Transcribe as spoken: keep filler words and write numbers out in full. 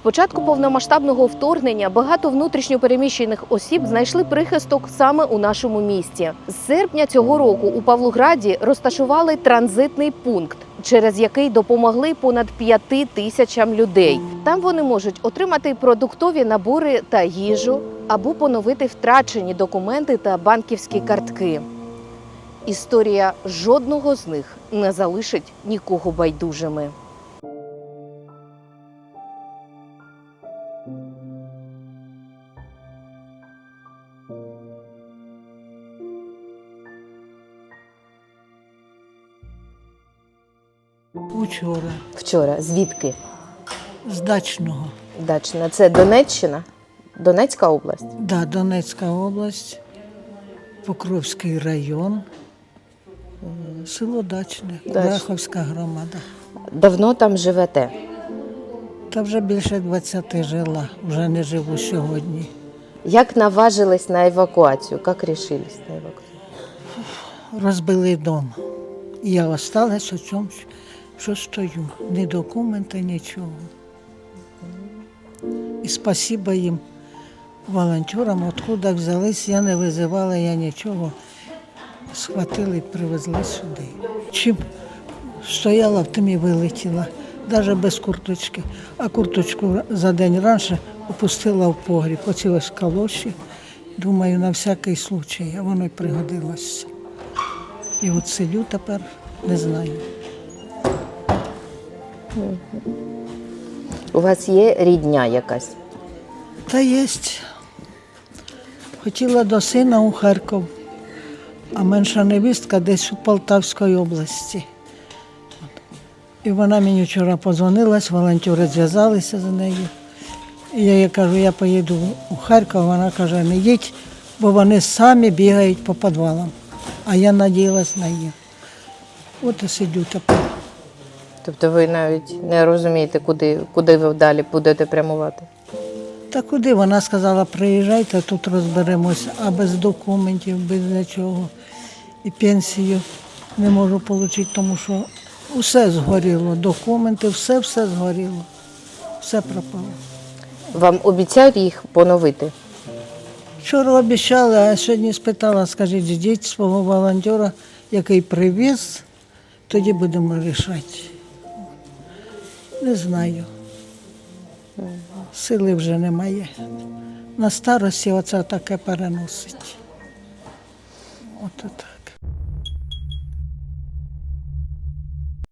початку повномасштабного вторгнення багато внутрішньо переміщених осіб знайшли прихисток саме у нашому місті. З серпня цього року у Павлограді розташували транзитний пункт, через який допомогли понад п'яти тисячам людей. Там вони можуть отримати продуктові набори та їжу або поновити втрачені документи та банківські картки. Історія жодного з них не залишить нікого байдужими. Учора, Вчора. Звідки? з Дачного. Дачна. Це Донеччина? Донецька область? Да, Донецька область, Покровський район, село Дачне, Дачне. Курахівська громада. Давно там живете? Та вже більше двадцяти жила, вже не живу сьогодні. Як наважились на евакуацію? Як рішились на евакуацію? Розбили дом. І я осталась у цьому, що стою. Ні документи, нічого. І спасіба їм, волонтерам, откуда взялись, я не визивала, я нічого. Схватили і привезли сюди. Чим стояла, в тим і вилетіла, навіть без курточки. А курточку за день раніше опустила в погріб, оці ось калоші. Думаю, на всякий случай, а воно й пригодилося. І от сидю тепер, не знаю. У вас є рідня якась? Та є. Хотіла до сина у Харків, а менша невістка десь у Полтавській області. От. І вона мені вчора подзвонилась, волонтери зв'язалися з нею. І я їй кажу, я поїду у Харків, вона каже, не їдь, бо вони самі бігають по підвалам. А я надіялась на їх. От і сидю тепер. Тобто ви навіть не розумієте, куди, куди ви далі будете прямувати? Та куди? Вона сказала, приїжджайте, тут розберемося, а без документів, без нічого. І пенсію не можу отримати, тому що все згоріло, документи, все-все згоріло, все пропало. Вам обіцяють їх поновити? Вчора обіцяли, а сьогодні спитала, скажіть, ждіть свого волонтера, який привіз, тоді будемо вирішати. Не знаю. Сили вже немає. На старості оце таке переносить. От це.